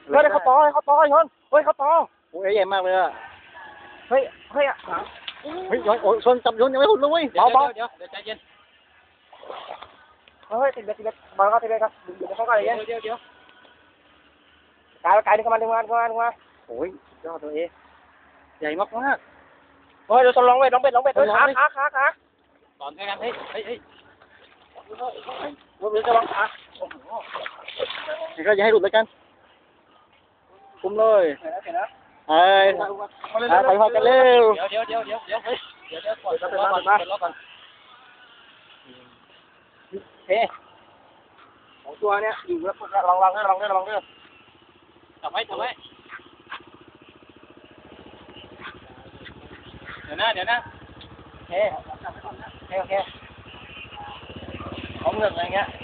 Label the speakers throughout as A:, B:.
A: เฮ้ยเขาต่อชนเฮ้ยเขาต่อ
B: โอ้ยใหญ่มากเลยอ่ะ
A: เฮ้ยเฮ้ย
B: เฮ้ยโอ้ยชนจับชนยังไม่หุ่นเลย
C: เดี๋ยวใจเย็น
A: เฮ้ยติดเบ็ดบอลก็ติดเบ็ดครับดึงเข้ากันเลย
C: เดี๋ยว
A: กายดึงเข้ามา
B: โอ้ยยอดตัวเอใหญ่มากมาก
A: เฮ้ยเดี๋ยวลองเบ็ดขา
C: ตอนกันเฮ้ย
A: มือจะลองขา
B: นี่ก็อย่าให้หลุดแล้วกันคุมเลยเฮ้ยไปพอกันเร็ว
C: เดี๋ยวก่อน
A: เฮ้ของตัวเนี้ยอยู่แล้วลองเด้อ
C: ทำไว้เดี๋ยวนะ
A: โอเคของเงินอะไรเงี้ย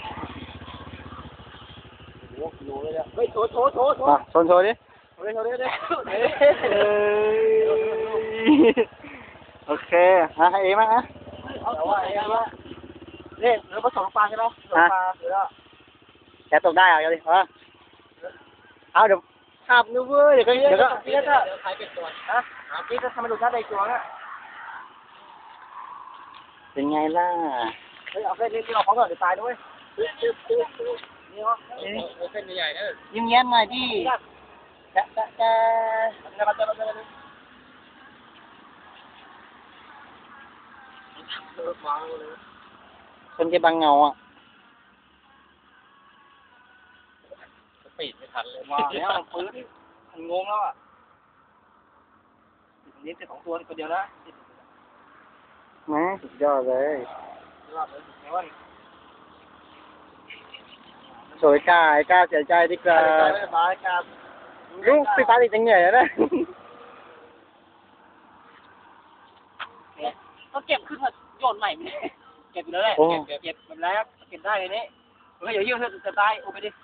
A: โอ้โหกิโลเลยเนี่ยเฮ้ยโชว์
B: ชนโชว์ดิโอเคให้เอมั้งนะ
A: เอาว่าเนี่ยเรือผสมปลาใช่ไหมผสมปลาเสือ
B: แกตกได้เอาดิเอาเดี๋ยวขับนึกเว้ยเดี๋ยวก็
C: ใครเป็นตัว
A: ฮะพี่จะทำให้ดูท่าใดตัวเนี่ย
B: เป็นไงล่ะ
A: เฮ้ยเอาเส้นนี้เราของก่อนเดี๋ยวตายด้วยนี่เหรอ
C: เส้นใหญ่ๆนะ
B: ยิ้มแย้มหน่อยดิคนจะบังเงาอ่ะ
C: ปีดไม่ทันเลย
A: ว้าวเนี่ยปืนมันงงแล้วอ่ะนี่เป็น2ตัวตัวเดียวนะ
B: นะสุดยอดเลยสวยกล้าเสียใจดีกว่าลูกพี่ฟ้าติดจังเหนื่อยแล้วนะ
A: ก็เก็บขึ้นมาโยนใหม่ไม่ได้เก็บอยู่แล้วแหละเก็บแบบแล้วเก็บได้เลยนี่เฮ้ยอย่ายืดจะตายโอ้ไปดิ